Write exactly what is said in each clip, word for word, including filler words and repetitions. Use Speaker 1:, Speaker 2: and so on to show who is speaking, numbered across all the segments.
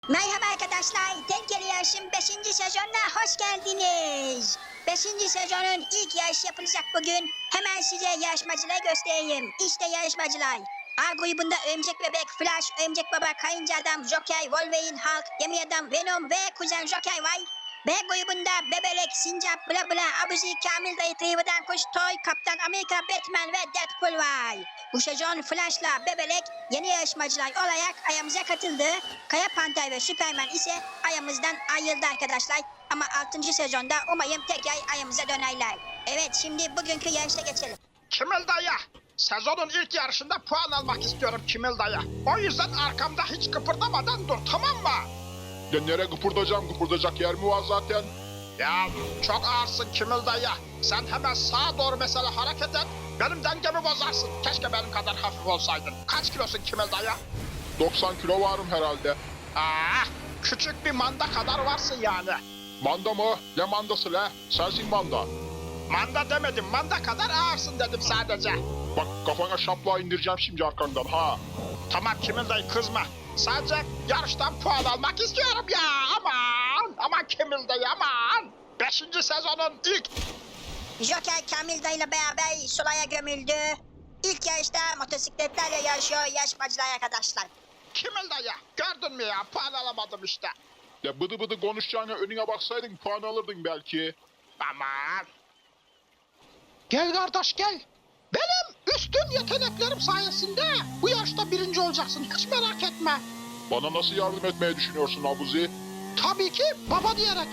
Speaker 1: Merhaba arkadaşlar, Tehlikeli Yarış'ın beşinci sezonuna hoş geldiniz. beşinci sezonun ilk yarışı yapılacak bugün. Hemen size yarışmacıları göstereyim. İşte yarışmacılar. A grubunda Örümcek Bebek, Flash, Örümcek Baba, Karınca Adam, Joker, Wolverine, Hulk, Gemi Adam, Venom ve Kuzen Joker var. B grubunda Bebelek, Sincap, Bla Bla, Abuzi, Kamil Dayı, Trivadan Kuş, Toy, Kaptan Amerika, Batman ve Deadpool var. Bu sezon Flash'la Bebelek yeni yarışmacılar olarak ayağımıza katıldı. Kaya Panter ve Superman ise ayağımızdan ayrıldı arkadaşlar. Ama altıncı sezonda umarım tekrar ayağımıza dönerler. Evet, şimdi bugünkü yarışa geçelim.
Speaker 2: Kimil dayı, sezonun ilk yarışında puan almak istiyorum Kimil dayı. O yüzden arkamda hiç kıpırdamadan dur, tamam mı?
Speaker 3: Ya nereye kıpırdayacağım? Kıpırdayacak yer mi var zaten?
Speaker 2: Ya çok ağırsın Kimil dayı. Sen hemen sağa doğru mesela hareket et. Benim dengemi bozarsın. Keşke benim kadar hafif olsaydın. Kaç kilosun Kimil dayı?
Speaker 3: doksan kilo varım herhalde.
Speaker 2: Aa, küçük bir manda kadar varsın yani.
Speaker 3: Manda mı? Ne mandası le? Sensin manda.
Speaker 2: Manda demedim, manda kadar ağırsın dedim sadece.
Speaker 3: Bak kafana şapla indireceğim şimdi arkandan ha.
Speaker 2: Tamam Kimil dayı, kızma. Sadece yarıştan puan almak istiyorum ya. Aman, aman Kimil dayı aman. Beşinci sezonun ilk...
Speaker 1: Joker Kamil Dayı ile beraber sulaya gömüldü. İlk yarışta motosikletlerle yarışıyor yarışmacılar arkadaşlar.
Speaker 2: Kimil dayı, gördün mü ya, puan alamadım işte.
Speaker 3: Ya bıdı bıdı konuşacağına önüne baksaydın puan alırdın belki.
Speaker 2: Aman. Gel kardeş gel. Benim üstün yeteneklerim sayesinde bu yarışta birinci olacaksın, hiç merak etme.
Speaker 3: Bana nasıl yardım etmeyi düşünüyorsun Abuzi?
Speaker 2: Tabii ki baba diyerek.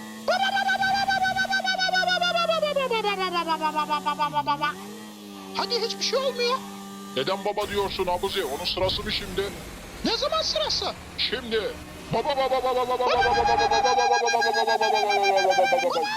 Speaker 2: Hadi, hiçbir şey olmuyor.
Speaker 3: Neden baba diyorsun Abuzi? Onun sırası mı şimdi?
Speaker 2: Ne zaman sırası?
Speaker 3: Şimdi. Baba baba baba baba baba baba baba baba baba baba.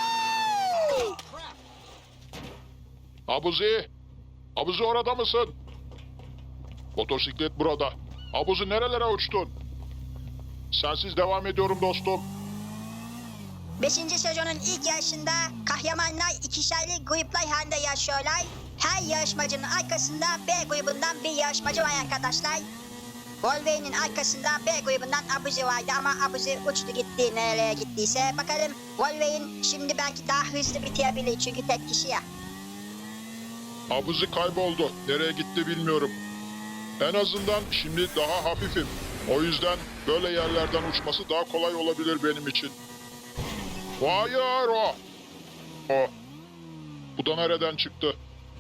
Speaker 3: Abuzi. Abuzi orada mısın? Motosiklet burada. Abuzi nerelere uçtun? Sensiz devam ediyorum dostum.
Speaker 1: Beşinci sezonun ilk yarışında kahramanlar ikişerli gruplar halinde yarışıyorlar. Her yarışmacının arkasında B grubundan bir yarışmacı var arkadaşlar. Wolverine'in arkasında B grubundan Abuzi vardı ama Abuzi uçtu gitti nerelere gittiyse. Bakalım Wolverine şimdi belki daha hızlı bitirebilir çünkü tek kişi ya.
Speaker 3: Abuzi kayboldu. Nereye gitti bilmiyorum. En azından şimdi daha hafifim. O yüzden böyle yerlerden uçması daha kolay olabilir benim için. Hayır o. O. Bu da nereden çıktı?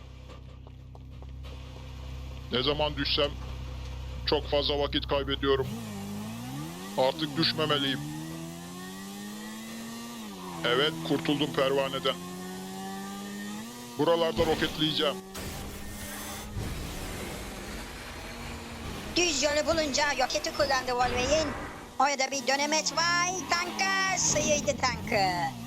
Speaker 3: Ne zaman düşsem çok fazla vakit kaybediyorum. Artık düşmemeliyim. Evet, kurtuldum pervaneden. Buralarda roketleyeceğim.
Speaker 1: Düz yolu bulunca roketi kullandı Wolverine. Orada bir dönemeç var. Tanka sıyırdı tankı.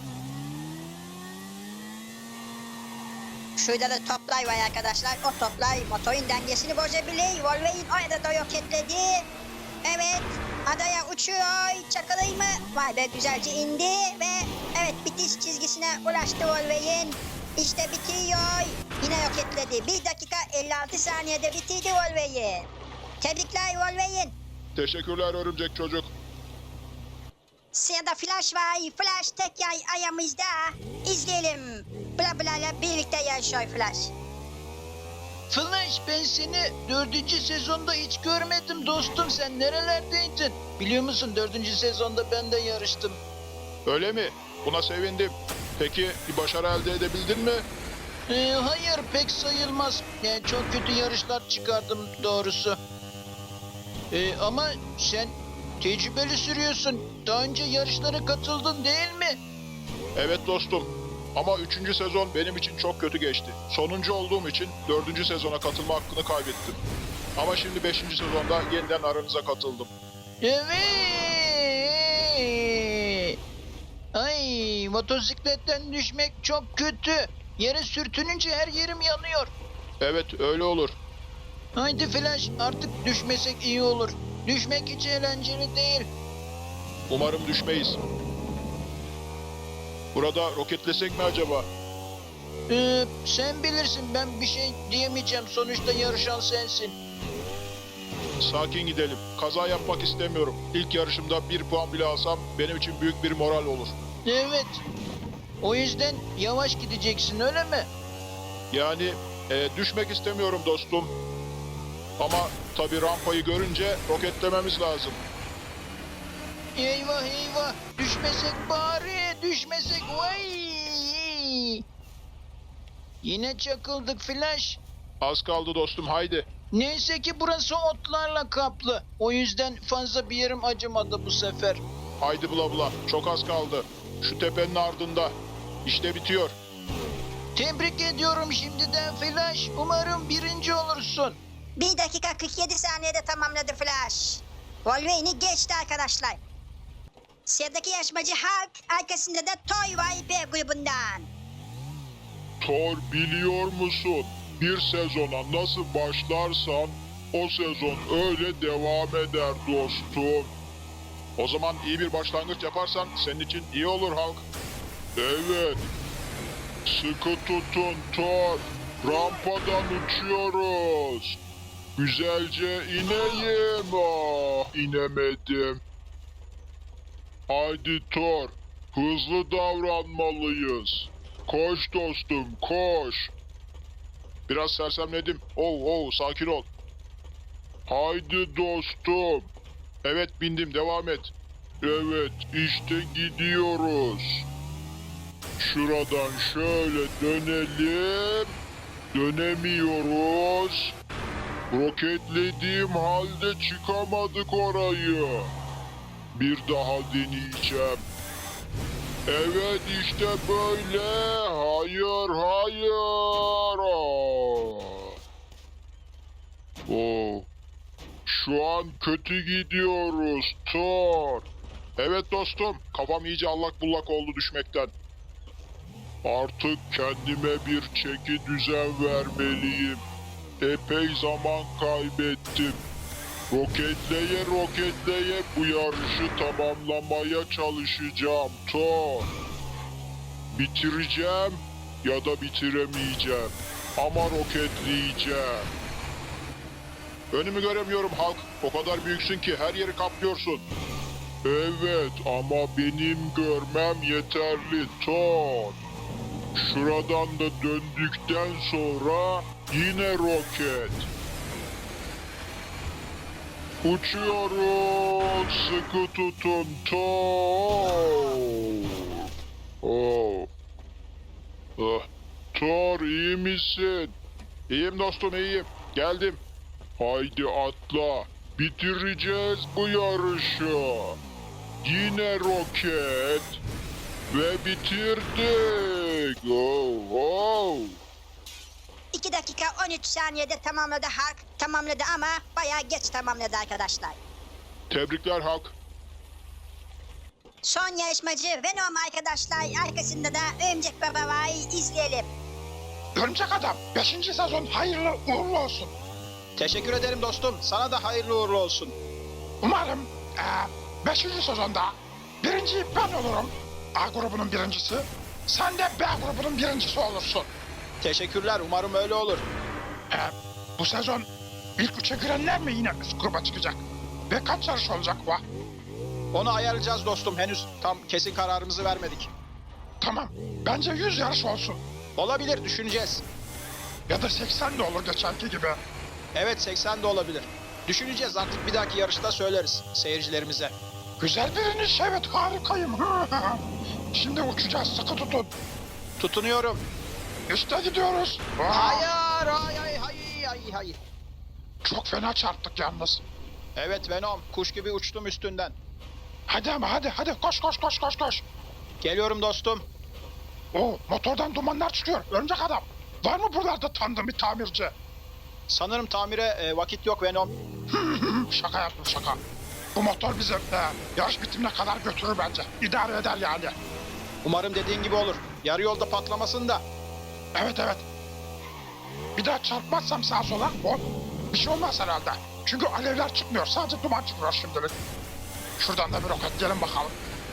Speaker 1: Şurada da toplar var arkadaşlar. O toplar motorun dengesini bozabilir. Wolverine orada da roketledi. Evet. Adaya uçuyor. Çakalayı mı? Vay be, güzelce indi ve evet, bitiş çizgisine ulaştı Wolverine. İşte bitiyor. Yine roketledi. bir dakika elli altı saniyede bitirdi Wolverine. Tebrikler Wolverine.
Speaker 3: Teşekkürler örümcek çocuk.
Speaker 1: Sırada Flash var. Flash tekrar ayağımızda. İzleyelim. Bla Bla ile birlikte yarışıyor Flash.
Speaker 4: Flash, ben seni dördüncü sezonda hiç görmedim dostum, sen nerelerdeydin? Biliyor musun, dördüncü sezonda ben de yarıştım.
Speaker 3: Öyle mi? Buna sevindim. Peki bir başarı elde edebildin mi?
Speaker 4: Ee, hayır, pek sayılmaz. Yani çok kötü yarışlar çıkardım doğrusu. Ee, ama sen tecrübeli sürüyorsun. Daha önce yarışlara katıldın değil mi?
Speaker 3: Evet dostum. Ama üçüncü sezon benim için çok kötü geçti. Sonuncu olduğum için dördüncü sezona katılma hakkını kaybettim. Ama şimdi beşinci sezonda yeniden aranıza katıldım.
Speaker 4: Evet. Ay, motosikletten düşmek çok kötü. Yere sürtününce her yerim yanıyor.
Speaker 3: Evet öyle olur.
Speaker 4: Haydi Flash, artık düşmesek iyi olur. Düşmek hiç eğlenceli değil.
Speaker 3: Umarım düşmeyiz. Burada roketlesek mi acaba?
Speaker 4: Ee, sen bilirsin, ben bir şey diyemeyeceğim. Sonuçta yarışan sensin.
Speaker 3: sakin gidelim. Kaza yapmak istemiyorum. İlk yarışımda bir puan bile alsam benim için büyük bir moral olur.
Speaker 4: Evet. O yüzden yavaş gideceksin öyle mi?
Speaker 3: Yani e, düşmek istemiyorum dostum. Ama tabii rampayı görünce roketlememiz lazım.
Speaker 4: Eyvah eyvah. Düşmesek bari. Düşmesek. Vay. Yine çakıldık Flash.
Speaker 3: Az kaldı dostum, haydi.
Speaker 4: Neyse ki burası otlarla kaplı. O yüzden fazla bir yerim acımadı bu sefer.
Speaker 3: Haydi bula bula, çok az kaldı. Şu tepenin ardında. İşte bitiyor.
Speaker 4: Tebrik ediyorum şimdiden Flash. Umarım birinci olursun.
Speaker 1: bir dakika kırk yedi saniyede tamamladı Flash. Wolverine'i geçti arkadaşlar. Sıradaki yarışmacı Hulk, arkasında da Toy var B grubundan.
Speaker 3: Thor, biliyor musun? Bir sezona nasıl başlarsan o sezon öyle devam eder dostum. O zaman iyi bir başlangıç yaparsan senin için iyi olur Hulk. Evet. Sıkı tutun Thor. Rampadan uçuyoruz. Güzelce ineyim. Ah, inemedim. Haydi Thor. Hızlı davranmalıyız. Koş dostum, koş. Biraz sersemledim. Oh oh, sakin ol. Haydi dostum. Evet, bindim, devam et. Evet, işte gidiyoruz. Şuradan şöyle dönelim. Dönemiyoruz. Roketlediğim halde çıkamadık orayı. Bir daha deneyeceğim. Evet, işte böyle. Hayır, hayır. Oh. Şu an kötü gidiyoruz Thor. Evet dostum, kafam iyice allak bullak oldu düşmekten. Artık kendime bir çeki düzen vermeliyim. Epey zaman kaybettim. Roketleye roketleye bu yarışı tamamlamaya çalışacağım Thor. Bitireceğim ya da bitiremeyeceğim. Ama roketleyeceğim. Önümü göremiyorum Hulk. O kadar büyüksün ki her yeri kaplıyorsun. Evet ama benim görmem yeterli Thor. Şuradan da döndükten sonra yine roket. Uçuyoruz. Sıkı tutun Thor. Oh. Ah. Thor, iyi misin? İyiyim dostum, iyiyim. Geldim. Haydi atla. Bitireceğiz bu yarışı. Yine roket. Ve bitirdik. Oh, oh.
Speaker 1: iki dakika on üç saniyede tamamladı Hulk. Tamamladı ama bayağı geç tamamladı arkadaşlar.
Speaker 3: Tebrikler Hulk.
Speaker 1: Son yarışmacı Venom arkadaşlar. Arkasında da Örümcek Baba var. İzleyelim.
Speaker 2: Örümcek Adam, beşinci sezon hayırlı uğurlu olsun.
Speaker 4: Teşekkür ederim dostum. Sana da hayırlı uğurlu olsun.
Speaker 2: Umarım beşinci sezonda birinci ben olurum. A grubunun birincisi. Sen de B grubunun birincisi olursun.
Speaker 4: Teşekkürler. Umarım öyle olur.
Speaker 2: E, bu sezon ilk üçe girenler mi yine üst gruba çıkacak? Ve kaç yarış olacak bu?
Speaker 4: Onu ayarlayacağız dostum. Henüz tam kesin kararımızı vermedik.
Speaker 2: Tamam, bence yüz yarış olsun.
Speaker 4: Olabilir. Düşüneceğiz.
Speaker 2: Ya da seksen de olur geçenki gibi.
Speaker 4: Evet seksen de olabilir. Düşüneceğiz, artık bir dahaki yarışta söyleriz seyircilerimize.
Speaker 2: Güzel biriniz, evet harikayım. Şimdi uçacağız, sıkı tutun.
Speaker 4: Tutunuyorum.
Speaker 2: İşte gidiyoruz. Aa,
Speaker 4: Hayır, hayır, hayır, hayır, hayır.
Speaker 2: çok fena çarptık yalnız.
Speaker 4: Evet Venom, kuş gibi uçtum üstünden.
Speaker 2: Hadi ama hadi hadi koş koş koş koş koş.
Speaker 4: Geliyorum dostum.
Speaker 2: Oo, motordan dumanlar çıkıyor. Örümcek Adam. Var mı buralarda tanıdığın bir tamirci?
Speaker 4: Sanırım tamire e, vakit yok Venom.
Speaker 2: Şaka yaptım şaka. Bu motor bizi e, yarış bitimine kadar götürür bence. İdare eder yani.
Speaker 4: Umarım dediğin gibi olur. Yarı yolda patlamasın da.
Speaker 2: Evet evet. Bir daha çarpmazsam sağa sola o bir şey olmaz herhalde. Çünkü alevler çıkmıyor. Sadece duman çıkıyor şimdilik. Şuradan da bir roket gelin bakalım.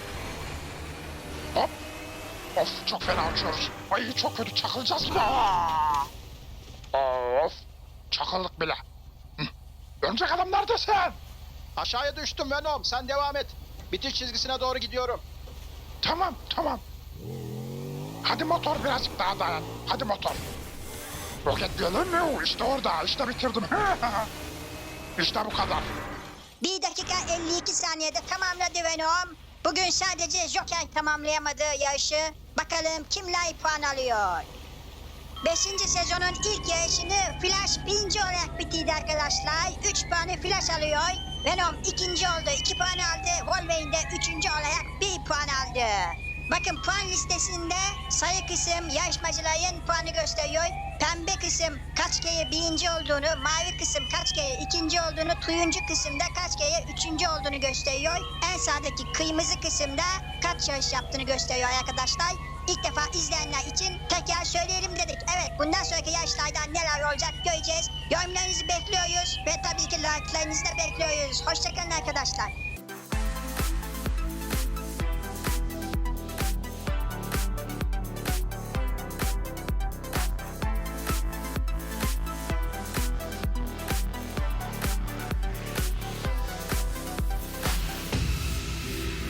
Speaker 2: Hop. Of çok fena uçuyoruz. Ay çok kötü çakılacağız bir de. Aa! Of. Çakıldık bile. Hı. Örümcek adam neredesin?
Speaker 5: Aşağıya düştüm Venom. Sen devam et. Bitiş çizgisine doğru gidiyorum.
Speaker 2: Tamam tamam. Hadi motor birazcık daha dayan. Hadi motor. Roketleyelim mi? İşte orada. İşte bitirdim. İşte bu kadar.
Speaker 1: Bir dakika elli iki saniyede tamamladı Venom. Bugün sadece Joker tamamlayamadı yarışı. Bakalım kimler puan alıyor. Beşinci sezonun ilk yarışını Flash birinci olarak bitirdi arkadaşlar. Üç puanı Flash alıyor. Venom ikinci oldu. iki puan aldı. Wolverine de üçüncü olarak bir puan aldı. Bakın puan listesinde sarı kısım yarışmacıların puanı gösteriyor. Pembe kısım kaç kere birinci olduğunu, mavi kısım kaç kere ikinci olduğunu, turuncu kısımda kaç kere üçüncü olduğunu gösteriyor. En sağdaki kırmızı kısımda kaç yarış yaptığını gösteriyor arkadaşlar. İlk defa izleyenler için tekrar söyleyelim dedik. Evet, bundan sonraki yarışlarda neler olacak göreceğiz. Yorumlarınızı bekliyoruz ve tabii ki like'larınızı da bekliyoruz. Hoşçakalın arkadaşlar.